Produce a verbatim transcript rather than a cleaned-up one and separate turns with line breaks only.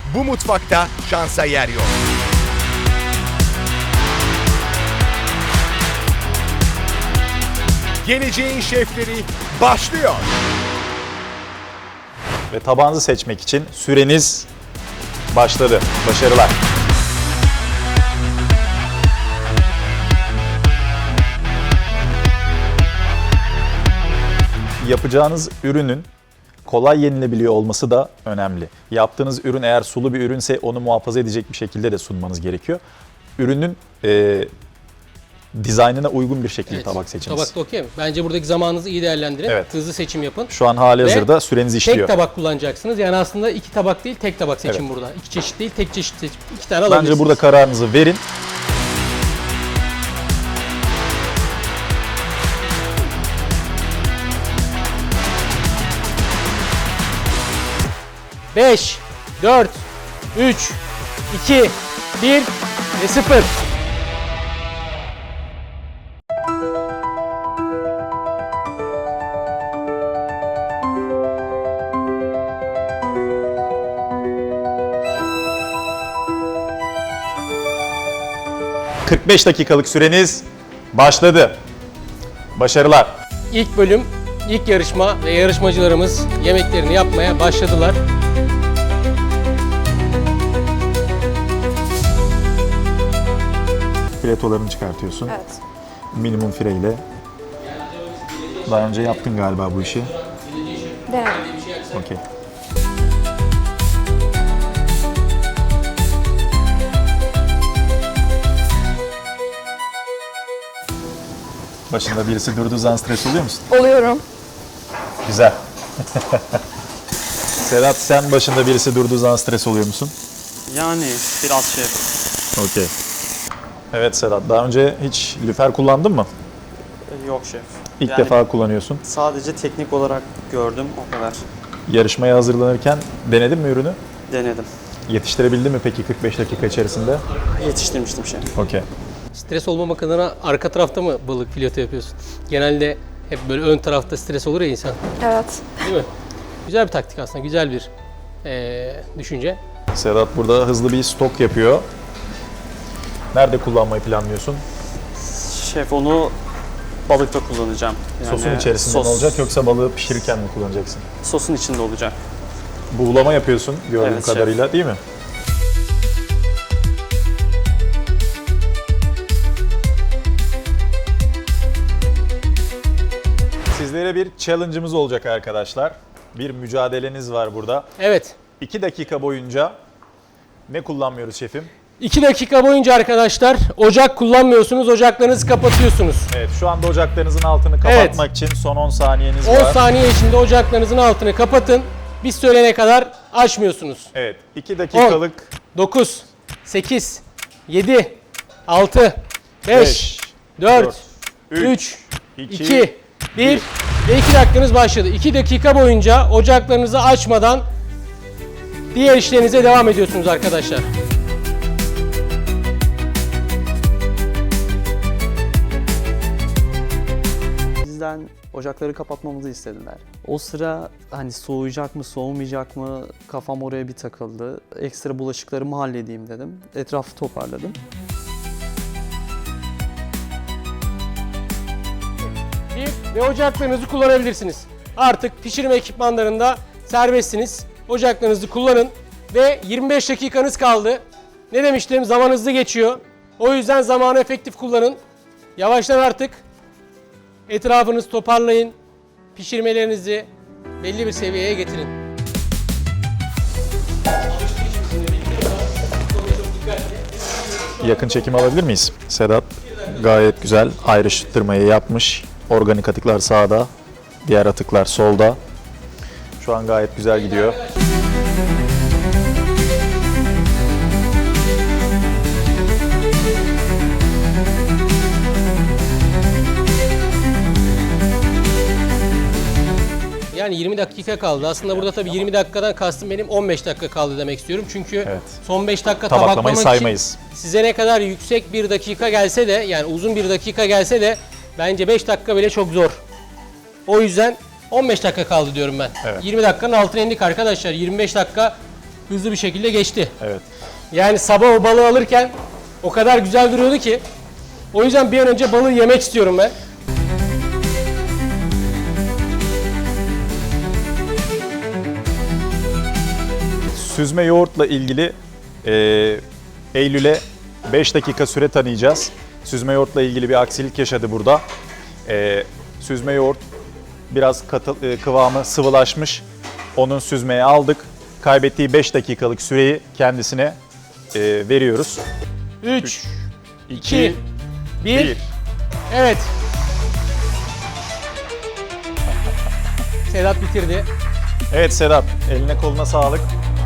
Bu mutfakta şansa yer yok. Geleceğin şefleri başlıyor.
Ve tabağınızı seçmek için süreniz başladı. Başarılar. Yapacağınız ürünün kolay yenilebiliyor olması da önemli. Yaptığınız ürün eğer sulu bir ürünse onu muhafaza edecek bir şekilde de sunmanız gerekiyor. Ürünün e, dizaynına uygun bir şekilde
Evet,
tabak seçiniz.
Tabakta okey mi? Bence buradaki zamanınızı iyi değerlendirin.
Evet.
Hızlı seçim yapın.
Şu an hali
Ve
hazırda süreniz işliyor.
Tek tabak kullanacaksınız. Yani aslında iki tabak değil, tek tabak seçin
Evet.
burada. İki çeşit değil, tek çeşit seçin. İki tane alabilirsiniz.
Bence burada kararınızı verin.
beş, dört, üç, iki, bir ve sıfır.
kırk beş dakikalık süreniz başladı. Başarılar.
İlk bölüm, ilk yarışma ve yarışmacılarımız yemeklerini yapmaya başladılar.
Filetolarını çıkartıyorsun.
Evet.
Minimum fireyle. Daha önce yaptın galiba bu işi.
Denedim.
Okey. Başında birisi durduğu zaman stres oluyor musun?
Oluyorum.
Güzel. Serhat, sen başında birisi durduğu zaman stres oluyor musun?
Yani biraz şey.
Okey. Evet Serhat, daha önce hiç lüfer kullandın mı?
Yok şef.
İlk
Yani
defa kullanıyorsun.
sadece teknik olarak gördüm o kadar.
Yarışmaya hazırlanırken denedin mi ürünü?
Denedim.
Yetiştirebildin mi peki kırk beş dakika içerisinde?
Yetiştirmiştim şef.
Okey.
Stres olmamak adına arka tarafta mı balık fileto yapıyorsun? Genelde hep böyle ön tarafta stres olur ya insan.
Evet.
Değil mi? Güzel bir taktik aslında, güzel bir eee, düşünce.
Serhat burada hızlı bir stok yapıyor. Nerede kullanmayı planlıyorsun?
Şef onu balıkta kullanacağım. Yani
Sosun içerisinde
sos-
mi olacak yoksa balığı pişirirken mi kullanacaksın?
Sosun içinde olacak.
Buğulama yapıyorsun gördüğüm
Evet, şef.
kadarıyla değil mi? Sizlere bir challenge'ımız olacak arkadaşlar. Bir mücadeleniz var burada.
Evet.
iki dakika boyunca ne kullanmıyoruz şefim?
iki dakika boyunca arkadaşlar ocak kullanmıyorsunuz, ocaklarınızı kapatıyorsunuz.
Evet, şu anda ocaklarınızın altını kapatmak için son on saniyeniz
on
var.
saniye içinde ocaklarınızın altını kapatın. Biz söyleyene kadar açmıyorsunuz.
Evet, iki dakikalık
dokuz, sekiz, yedi, altı, beş,
beş,
dört,
üç,
üç,
iki,
iki, bir ve iki dakikanız başladı. iki dakika boyunca ocaklarınızı açmadan diğer işlerinize devam ediyorsunuz arkadaşlar.
Bizden ocakları kapatmamızı istediler. O sıra hani soğuyacak mı soğumayacak mı kafam oraya bir takıldı. Ekstra bulaşıklarımı halledeyim dedim. Etrafı toparladım.
Bir ve ocaklarınızı kullanabilirsiniz. Artık pişirme ekipmanlarında serbestsiniz. Ocaklarınızı kullanın ve yirmi beş dakikanız kaldı. Ne demiştim? Zaman hızlı geçiyor. O yüzden zamanı efektif kullanın. Yavaştan artık etrafınızı toparlayın. Pişirmelerinizi belli bir seviyeye getirin.
yakın çekim alabilir miyiz? Sedat gayet güzel ayrıştırmayı yapmış. Organik atıklar sağda, diğer atıklar solda. Şu an gayet güzel gidiyor.
Yani yirmi dakika kaldı. Aslında burada tabii yirmi dakikadan kastım benim on beş dakika kaldı demek istiyorum. Çünkü
Evet.
son beş dakika
Tabaklamayı
tabaklamak
saymayız.
için size ne kadar yüksek bir dakika gelse de, yani uzun bir dakika gelse de bence beş dakika bile çok zor. O yüzden on beş dakika kaldı diyorum ben.
Evet.
yirmi dakikanın altına indik arkadaşlar. yirmi beş dakika hızlı bir şekilde geçti.
Evet.
Yani sabah o balığı alırken o kadar güzel duruyordu ki. O yüzden bir an önce balığı yemek istiyorum ben.
Süzme yoğurtla ilgili e, Eylül'e beş dakika süre tanıyacağız. Süzme yoğurtla ilgili bir aksilik yaşadı burada. E, süzme yoğurt biraz katı, e, kıvamı sıvılaşmış. Onun süzmeye aldık. Kaybettiği beş dakikalık süreyi kendisine e, veriyoruz.
üç,
iki,
iki, bir.
bir.
Evet. Sedat bitirdi.
Evet Sedat, eline koluna sağlık.